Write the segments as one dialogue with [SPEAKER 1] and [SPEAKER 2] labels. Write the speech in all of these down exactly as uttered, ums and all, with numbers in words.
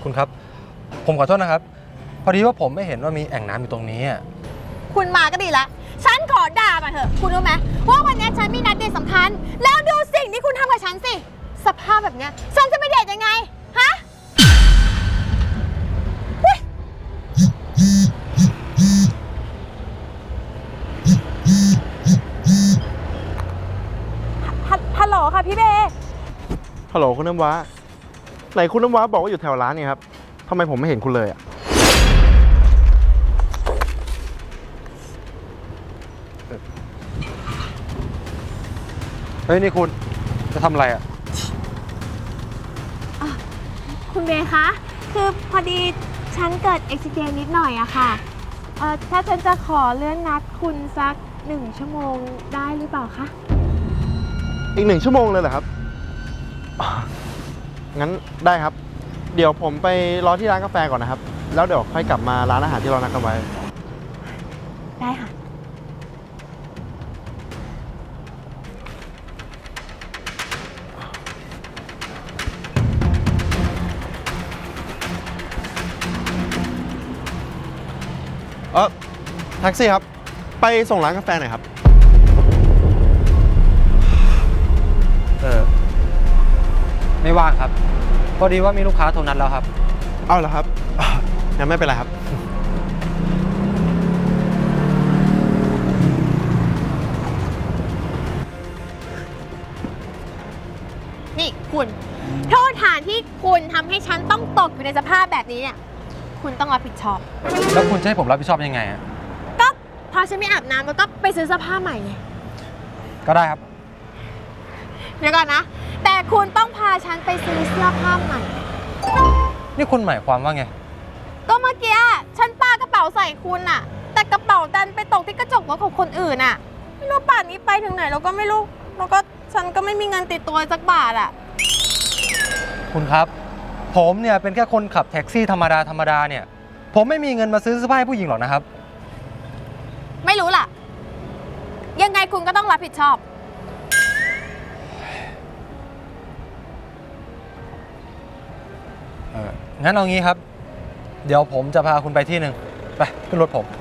[SPEAKER 1] คุณครับผมขอโทษนะครับพอดีว่าผมไม่เห็นว่ามีแอ่งน้ำอยู่ตรงนี้
[SPEAKER 2] คุณมาก็ดีละฉันขอด่ามาเถอะคุณรู้ไหมว่าวันนี้ฉันมีนัดเดทสำคัญแล้วดูสิ่งที่คุณทำกับฉันสิสภาพแบบเนี้ยฉันจะไปเดทยังไงฮะฮัลโหลค่ะพี่เบ
[SPEAKER 3] ฮัลโหลคุณน้ำว้าไหนคุณน้ำว้าบอกว่าอยู่แถวร้านนี่ครับทำไมผมไม่เห็นคุณเลยอ่ะ
[SPEAKER 1] เฮ้ยนี่คุณจะทำอะไรอ่ะ
[SPEAKER 2] คุณเบคะคือพอดีฉันเกิดอุบัติเหตุนิดหน่อยอะค่ะเอ่อถ้าฉันจะขอเลื่อนนัดคุณสักหนึ่งชั่วโมงได้หรือเปล่าคะ
[SPEAKER 3] อีกหนึ่งชั่วโมงเลยเหรอครับงั้นได้ครับเดี๋ยวผมไปรอที่ร้านกาแฟก่อนนะครับแล้วเดี๋ยวค่อยกลับมาร้านอาหารที่เรานัดกันไว้
[SPEAKER 2] ได้ค่ะ
[SPEAKER 3] เออแท็กซี่ครับไปส่งร้านกาแฟหน่อยครับ
[SPEAKER 1] เออไม่ว่างครับพอดีว่ามีลูกค้าโทรนัดแล้วครับ
[SPEAKER 3] เอาเหรอครับงั้นไม่เป็นไรครับ
[SPEAKER 2] นี่คุณโทษฐานที่คุณทำให้ฉันต้องตกอยู่ในสภาพแบบนี้เนี่ยคุณต้องรับผิดชอบ
[SPEAKER 1] แล้วคุณจะให้ผมรับผิดชอบยังไงอ่ะ
[SPEAKER 2] ก็พอฉันไม่อาบน้ำแล้วก็ไปซื้อเสื้อผ้าใหม่ไง
[SPEAKER 1] ก็ได้ครับ
[SPEAKER 2] เดี๋ยวก่อนนะแต่คุณต้องพาฉันไปซื้อเสื้อผ้าใหม่
[SPEAKER 1] นี่คุณหมายความว่าไง
[SPEAKER 2] ก็เมื่อกี้ฉันปากระเป๋าใส่คุณอะแต่กระเป๋าดันไปตกที่กระจกรถของคนอื่นอะไม่รู้ป่านนี้ไปถึงไหนเราก็ไม่รู้แล้วก็ฉันก็ไม่มีเงินติดตัวสักบาทอะ
[SPEAKER 1] คุณครับผมเนี่ยเป็นแค่คนขับแท็กซี่ธรรมดาธรรมดาเนี่ยผมไม่มีเงินมาซื้อเสื้อผ้าให้ผู้หญิงหรอกนะครับ
[SPEAKER 2] ไม่รู้ล่ะยังไงคุณก็ต้องรับผิดชอบ
[SPEAKER 1] เอองั้นเอางี้ครับเดี๋ยวผมจะพาคุณไปที่หนึ่งไปขึ้นรถผม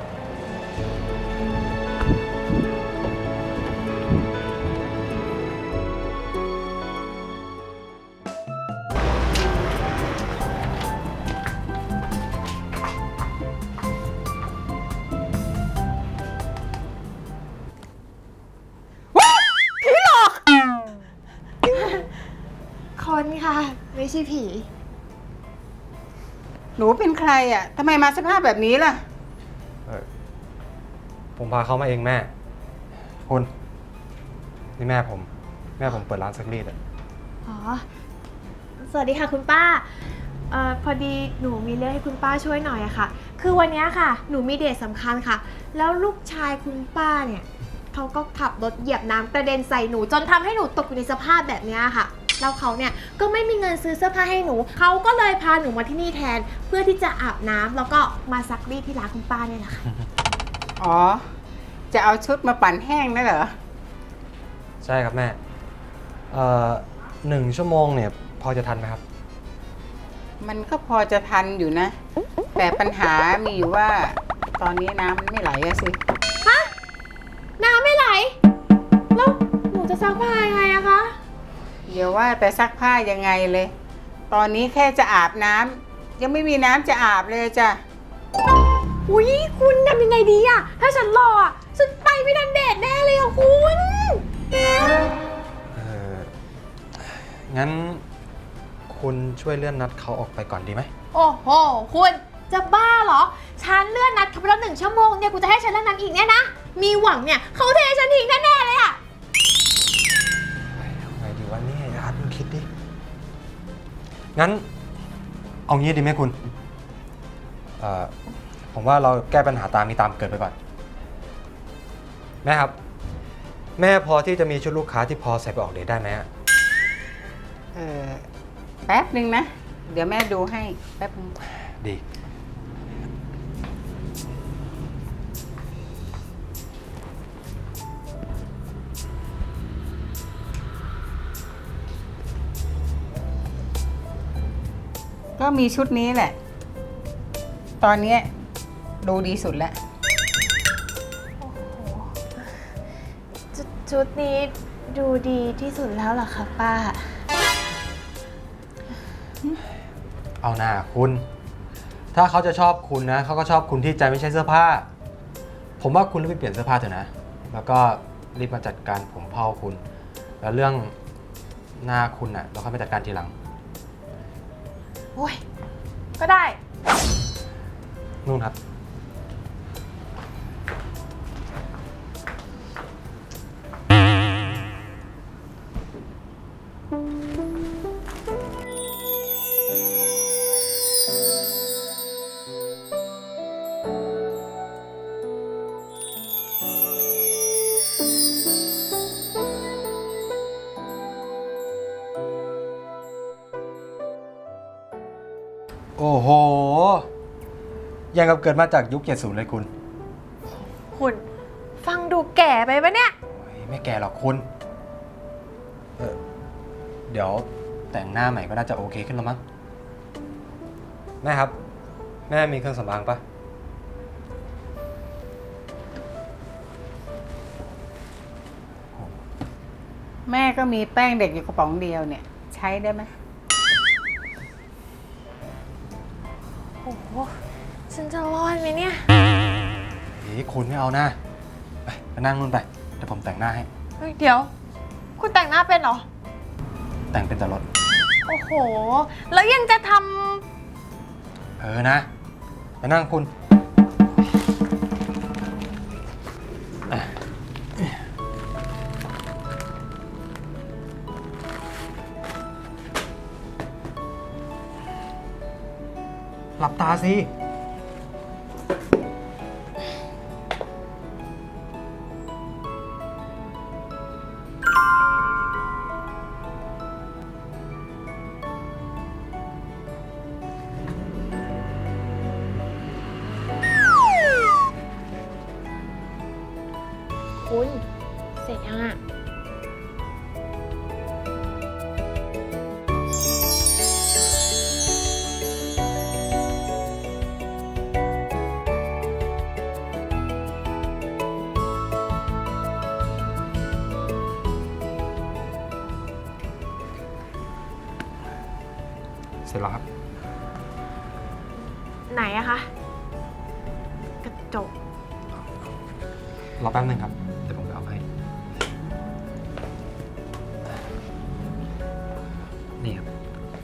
[SPEAKER 2] คนค่ะไม่ใช่ผี
[SPEAKER 4] หนูเป็นใครอ่ะทำไมมาสภาพแบบนี้ล่ะ
[SPEAKER 1] เออผมพาเขามาเองแม่คุณนี่แม่ผมแม่ผมเปิดร้านซักรีดอ่ะ
[SPEAKER 2] อ๋อสวัสดีค่ะคุณป้าเอ่อพอดีหนูมีเรื่องให้คุณป้าช่วยหน่อยอะค่ะคือวันนี้ค่ะหนูมีเดทสำคัญค่ะแล้วลูกชายคุณป้าเนี่ยเขาก็ขับรถเหยียบน้ำกระเด็นใส่หนูจนทำให้หนูตกอยู่ในสภาพแบบนี้ค่ะแล้วเขาเนี่ยก็ไม่มีเงินซื้อเสื้อผ้าให้หนูเขาก็เลยพาหนูมาที่นี่แทนเพื่อที่จะอาบน้ำแล้วก็มาซักรีดที่ร้านคุณป้าเนี่ยแหละค่ะ
[SPEAKER 4] อ๋อจะเอาชุดมาปั่นแห้งนั่นเหรอ
[SPEAKER 1] ใช่ครับแม่เอ่อหนึ่งชั่วโมงเนี่ยพอจะทันไหมครับ
[SPEAKER 4] มันก็พอจะทันอยู่นะแต่ปัญหามีอยู่ว่าตอนนี้น้ำมันไม่ไหลอะสิ
[SPEAKER 2] ฮะน้ำไม่ไหลแล้วหนูจะซักผ้ายังไงอะคะ
[SPEAKER 4] เดี๋ยวว่าแต่ซักผ้ายังไงเลยตอนนี้แค่จะอาบน้ำยังไม่มีน้ำจะอาบเลยจ้ะ
[SPEAKER 2] อุ้ยคุณทำยังไงดีอะถ้าฉันรออะฉันไปไม่ทันเดทแน่เลยอะคุณ
[SPEAKER 1] เอองั้นคุณช่วยเลื่อนนัดเขาออกไปก่อนดีไหม
[SPEAKER 2] โอ้โหคุณจะบ้าเหรอฉันเลื่อนนัดเขาไปแล้วหนึ่งชั่วโมงเนี่ยกูจะให้ฉันเลื่อนนัดอีกเนี่ยนะมีหวังเนี่ยเขาเทฉันทิ้งแน่ๆเลยอะ
[SPEAKER 1] ไงดีวะเนี่ยอาร์ตมึงคิดดิงั้นเอางี้ดีไหมคุณเอ่อผมว่าเราแก้ปัญหาตามนี้ตามเกิดไปก่อนแม่ครับแม่พอที่จะมีชุดลูกค้าที่พอใส่ไปออกเดทได้ไหม
[SPEAKER 4] เออแป๊บหนึ่งนะเดี๋ยวแม่ดูให้แป๊บนึง
[SPEAKER 1] ดี
[SPEAKER 4] ก็มีชุดนี้แหละ ตอนเนี้ยดูดีสุดแล้ว
[SPEAKER 2] ชุดชุดนี้ดูดีที่สุดแล้วเหรอคะป้า
[SPEAKER 1] เอาหน้าคุณ ถ้าเขาจะชอบคุณนะเขาก็ชอบคุณที่ใจไม่ใช่เสื้อผ้า ผมว่าคุณรีบไปเปลี่ยนเสื้อผ้าเถอะนะ แล้วก็รีบมาจัดการผมเผาคุณ แล้วเรื่องหน้าคุณน่ะเราค่อยไปจัดการทีหลัง
[SPEAKER 2] โอ้ย ก็ได้
[SPEAKER 1] นู่นครับ โอ้โห ยังกับเกิดมาจากยุคเจ็ดสิบเลยคุณ
[SPEAKER 2] คุณ ฟังดูแก่ไปปะเนี่ย
[SPEAKER 1] โอ้ยไม่แก่หรอกคุณเออเดี๋ยวแต่งหน้าใหม่ก็น่าจะโอเคขึ้นแล้วมั้ง แม่ครับ แม่มีเครื่องสำอางปะ
[SPEAKER 4] แม่ก็มีแป้งเด็กอยู่กระป๋องเดียวเนี่ย ใช้ได้ไหม
[SPEAKER 2] โอ้โห ฉันจะรอดไหมเนี่ย
[SPEAKER 1] เฮ้ยคุณไม่เอานะไปไปนั่งนู่นไป เดี๋ยวผมแต่งหน้าให้
[SPEAKER 2] เฮ้ย เดี๋ยว คุณแต่งหน้าเป็นเหรอ
[SPEAKER 1] แต่งเป็นแต่รถ
[SPEAKER 2] โอ้โห แล้วยังจะท
[SPEAKER 1] เออนะ ไปนั่งคุณอ่ะหลับตาสิ
[SPEAKER 2] ำคุณ เสร็จยังอ่ะ
[SPEAKER 1] เสร็จแล้วครับ
[SPEAKER 2] ไหนอะคะ กระจก
[SPEAKER 1] รอแป๊บนึงครับ เดี๋ยวผมไปเอาให้ นี่ครับ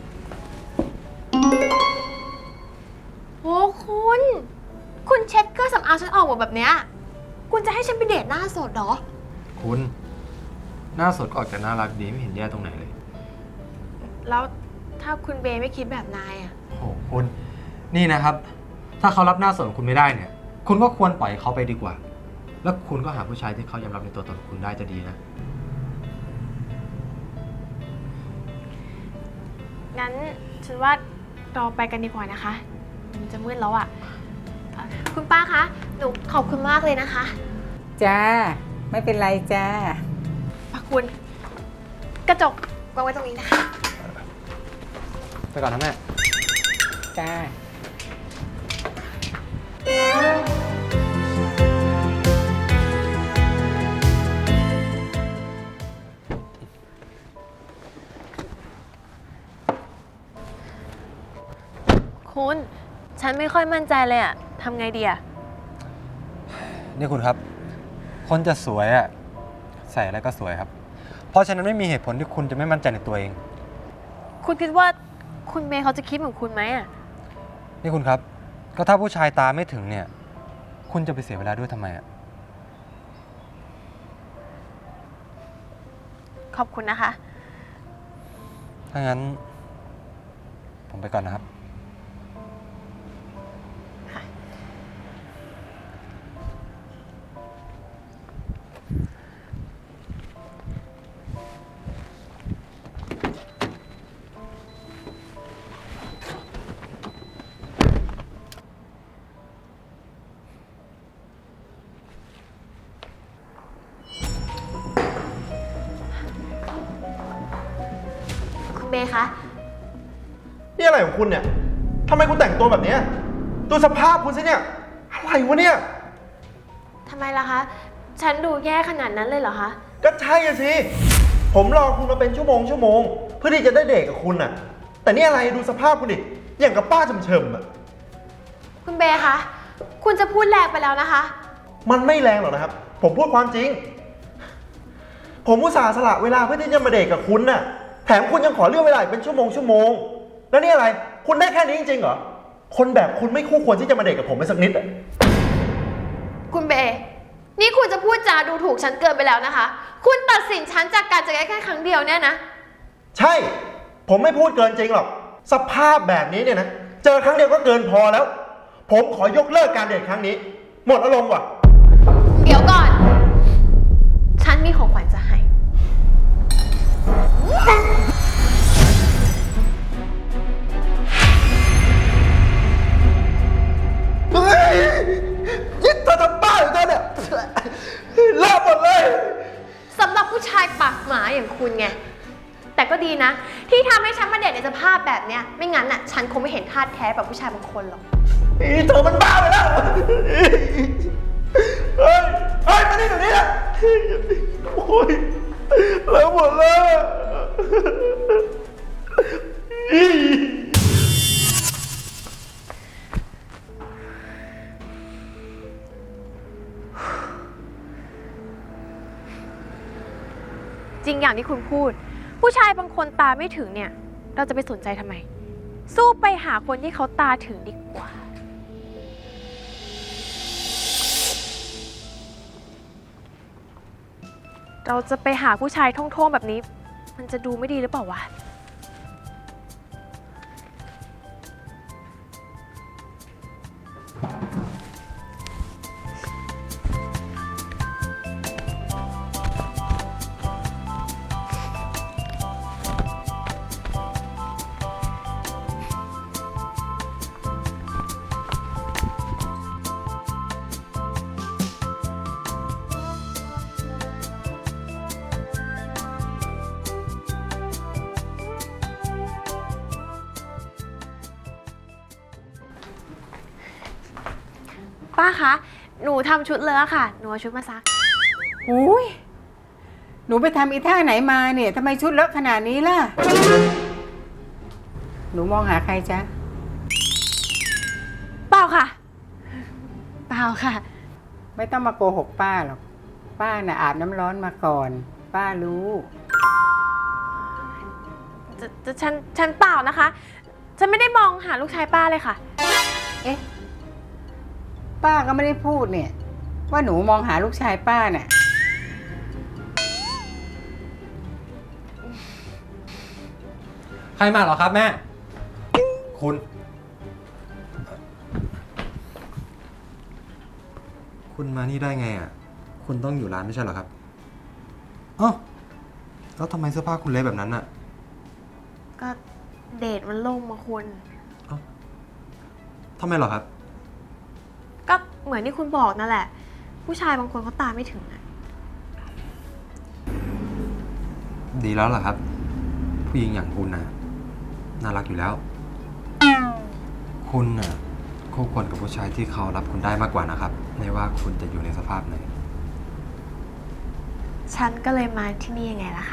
[SPEAKER 2] โอ้คุณ คุณเช็ดเครื่องสำอางฉันออกหมดแบบเนี้ย คุณจะให้ฉันไปเดทหน้าสดเหรอ
[SPEAKER 1] คุณ หน้าสดก็ออกจากน่ารักดีไม่เห็นแย่ตรงไหนเลย
[SPEAKER 2] แล้วถ้าคุณเบย์ไม่คิดแบบนายอะ
[SPEAKER 1] โอ้โหคุณ นี่นะครับ ถ้าเขารับหน้าสดของคุณไม่ได้เนี่ย คุณก็ควรปล่อยเขาไปดีกว่า แล้วคุณก็หาผู้ชายที่เขายอมรับในตัวตนของคุณได้จะดีนะ
[SPEAKER 2] งั้นฉันว่าเราไปกันดีกว่านะคะ มันจะมืดแล้วอะเอ่อคุณป้าคะ หนูขอบคุณมากเลยนะคะ
[SPEAKER 4] จ้า ไม่เป็นไรจ้า
[SPEAKER 2] ป้าคุณ กระจกวางไว้ตรงนี้นะคะ
[SPEAKER 1] ไปก่อนนะแม่
[SPEAKER 4] จ้า
[SPEAKER 2] คุณ ฉันไม่ค่อยมั่นใจเลยอะทำไงดีอะ
[SPEAKER 1] นี่คุณครับ คนจะสวยอะใส่อะไรก็สวยครับ เพราะฉะนั้นไม่มีเหตุผลที่คุณจะไม่มั่นใจในตัวเอง
[SPEAKER 2] คุณคิดว่าคุณเมย์เขาจะคิดเหมือนคุณไหมอะ
[SPEAKER 1] นี่คุณครับ ก็ถ้าผู้ชายตาไม่ถึงเนี่ย คุณจะไปเสียเวลาด้วยทำไมอะ
[SPEAKER 2] ขอบคุณนะคะ
[SPEAKER 1] ถ้างั้น ผมไปก่อนนะครับ
[SPEAKER 2] คุณเมย์คะ
[SPEAKER 3] นี่อะไรของคุณเนี่ยทำไมคุณแต่งตัวแบบเนี้ยดูสภาพคุณสิเนี่ย อะไรวะเนี่ย
[SPEAKER 2] ทำไมล่ะคะ ฉันดูแย่ขนาดนั้นเลยเหรอคะ
[SPEAKER 3] ก็ใช่อะสิ ผมรอคุณมาเป็นชั่วโมงชั่วโมง เพื่อที่จะได้เดทกับคุณน่ะ แต่นี่อะไรดูสภาพคุณดิ อย่างกับป้าเฉมๆอะ
[SPEAKER 2] คุณเบย์คะ คุณจะพูดแรงไปแล้วนะคะ
[SPEAKER 3] มันไม่แรงหรอกนะครับ ผมพูดความจริง ผมอุตส่าห์สละเวลาเพื่อที่จะมาเดทกับคุณน่ะ แถมคุณยังขอเลื่อนเวลาอีกเป็นชั่วโมงชั่วโมง แล้วนี่อะไร คุณได้แค่นี้จริงๆเหรอ คนแบบคุณไม่คู่ควรที่จะมาเดทกับผมไปสักนิดอะ
[SPEAKER 2] คุณเบย์นี่คุณจะพูดจาดูถูกฉันเกินไปแล้วนะคะ คุณตัดสินฉันจากการเจอกันแค่ครั้งเดียวเนี่ยนะ
[SPEAKER 3] ใช่ ผมไม่พูดเกินจริงหรอก สภาพแบบนี้เนี่ยนะ เจอครั้งเดียวก็เกินพอแล้ว ผมขอยกเลิกการเดทครั้งนี้ หมดอารมณ์ว่ะ
[SPEAKER 2] เดี๋ยวก่อน ฉันมีของขวัญจะให้
[SPEAKER 3] เฮ้ยยิ่งเธอทำบ้าอยู่เธอเนี่ยเลิกหมดเลย
[SPEAKER 2] สำหรับผู้ชายปากหมาอย่างคุณไง แต่ก็ดีนะ ที่ทำให้ฉันมาเดทในสภาพแบบเนี้ย ไม่งั้นน่ะ ฉันคงไม่เห็นท่าแท้แบบผู้ชายบางคนหรอก
[SPEAKER 3] อีเธอมันบ้าไปแล้ว เฮ้ย เฮ้ย มานี่เดี๋ยวนี้นะโอ้ยเลิกหมดเลย
[SPEAKER 2] จริงอย่างที่คุณพูด ผู้ชายบางคนตาไม่ถึงเนี่ย เราจะไปสนใจทำไม สู้ไปหาคนที่เขาตาถึงดีกว่า เราจะไปหาผู้ชายท่องๆแบบนี้ มันจะดูไม่ดีหรือเปล่าวะ ป้าคะ หนูทำชุดเลอะค่ะ หนูเอาชุดมาซัก
[SPEAKER 4] อุ้ยหนูไปทำอีท่าไหนมาเนี่ยทำไมชุดเลอะขนาดนี้ล่ะ หนูมองหาใครจ๊ะ
[SPEAKER 2] เปล่าค่ะ เปล่าค่ะ
[SPEAKER 4] ไม่ต้องมาโกหกป้าหรอก ป้าน่ะอาบน้ำร้อนมาก่อน ป้ารู้
[SPEAKER 2] จะจะฉัน ฉันเปล่านะคะ ฉันไม่ได้มองหาลูกชายป้าเลยค่ะ
[SPEAKER 4] เอ๊ะ ป้าก็ไม่ได้พูดเนี่ย ว่าหนูมองหาลูกชายป้าน่ะ
[SPEAKER 1] ใครมาเหรอครับแม่ คุณ คุณมานี่ได้ไงอ่ะ คุณต้องอยู่ร้านไม่ใช่เหรอครับเอ้าแล้วทำไมเสื้อผ้าคุณเละแบบนั้นอ่ะ
[SPEAKER 2] ก็เดทมันล่มมาคุณ
[SPEAKER 1] ทำไมเหรอครับ
[SPEAKER 2] ก็เหมือนที่คุณบอกนั่นแหละ ผู้ชายบางคนเขาตาไม่ถึงอะ
[SPEAKER 1] ดีแล้วล่ะครับ ผู้หญิงอย่างคุณน่ะน่ารักอยู่แล้ว คุณน่ะคู่ควรกับผู้ชายที่เขารับคุณได้มากกว่านะครับ ไม่ว่าคุณจะอยู่ในสภาพไหน
[SPEAKER 2] ฉันก็เลยมาที่นี่ยังไงล่ะคะ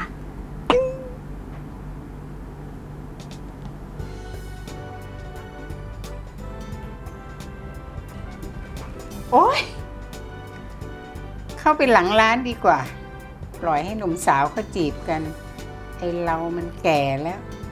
[SPEAKER 4] โอ๊ย เข้าไปหลังร้านดีกว่า ปล่อยให้หนุ่มสาวเขาจีบกัน ไอเรามันแก่แล้ว